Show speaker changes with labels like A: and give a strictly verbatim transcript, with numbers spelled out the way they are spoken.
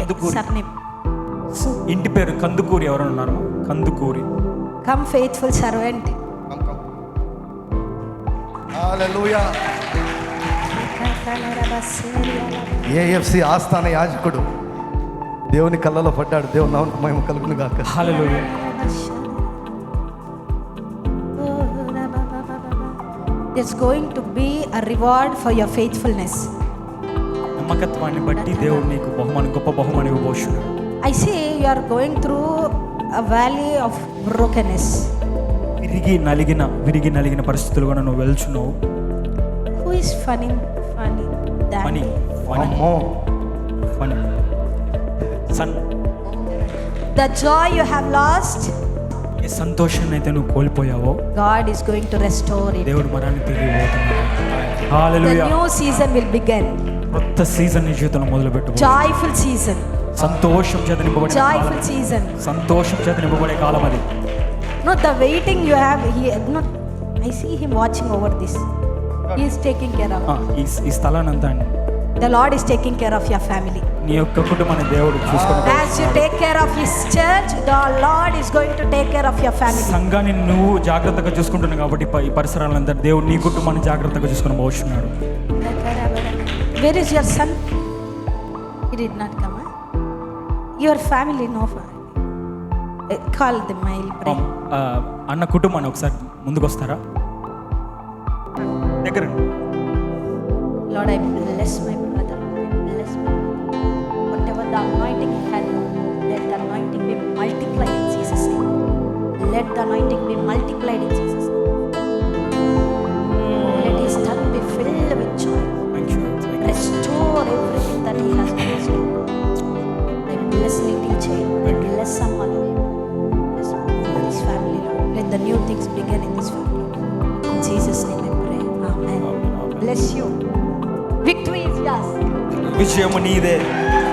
A: Kandukuri.
B: surname.
A: ఇంటి పేరు కందుకూరి. ఎవరు ఉన్నారు? Kandukuri.
B: Come faithful servant.
C: Hallelujah. AFC ఆస్థాన యాజకుడు దేవుని కళ్ళలో పడ్డాడు. దేవుని నామమునకు మహిమ కలుగును గాక.
A: హల్లెలూయా.
B: There's going to be a reward for your faithfulness.
A: నమ్మకత్వాన్ని బట్టి దేవుడు నీకు బహుమానం, గొప్ప బహుమానం ఇవ్వబోతున్నాడు.
B: I see you are going through a valley of brokenness.
A: విరిగి నలిగిన విరిగి నలిగిన పరిస్థితులుగా నువ్వు వెళ్తున్నావు.
B: Who is funny? Funny.
A: Funny funny
C: అమ్మో.
A: Funny son.
B: The joy you have lost,
A: ఏ సంతోషాన్ని అయితే నువ్వు కోల్పోయావో
B: God is going to restore it.
A: దేవుడు మరాన్ని తిరిగి పోతున్నాడు.
B: The
A: hallelujah.
B: new season will begin.
A: కొత్త సీజన్ నీ జీవితంలో మొదలు పెట్టు.
B: Joyful season.
A: సంతోషం చేత నింపబడే
B: Joyful
A: కాలం.
B: season.
A: సంతోషం చేత నింపబడే కాలం అది.
B: No, the waiting you have here. No, I see him watching over this. He is taking care of.
A: ఆ, ఈ ఈ స్థలాన్ని అంతా అండి
B: The Lord is taking care of your family.
A: నీ యొక్క కుటుంబాన్ని దేవుడు చూసుకుంటాడు.
B: As you take care of His church, the Lord is going to take care of your family.
A: సంఘాన్ని నువ్వు జాగ్రత్తగా చూసుకుంటున్నావు కాబట్టి ఈ పరిసరాలంతా దేవుడు నీ కుటుంబాన్ని జాగ్రత్తగా చూసుకుని పోతున్నాడు.
B: Where is your son? He did not come. Huh? Your family, no family. Uh, Call them. I will pray.
A: ఆ, అన్న కుటుంబాన్ని ఒకసారి ముందుకు వస్తారా? దగ్గర
B: Lord, I bless my brother. I bless my brother. Whatever the anointing he had, let the anointing be multiplied in Jesus' name. Let the anointing be multiplied in Jesus' name. Let his tongue be filled with joy. Restore everything that he has lost. I bless Little Jay. I bless someone. Bless this family, Lord. Let the new things begin in this family. In Jesus' name I pray. Amen. Bless you. Victory is yours.
A: విజయము నీదే.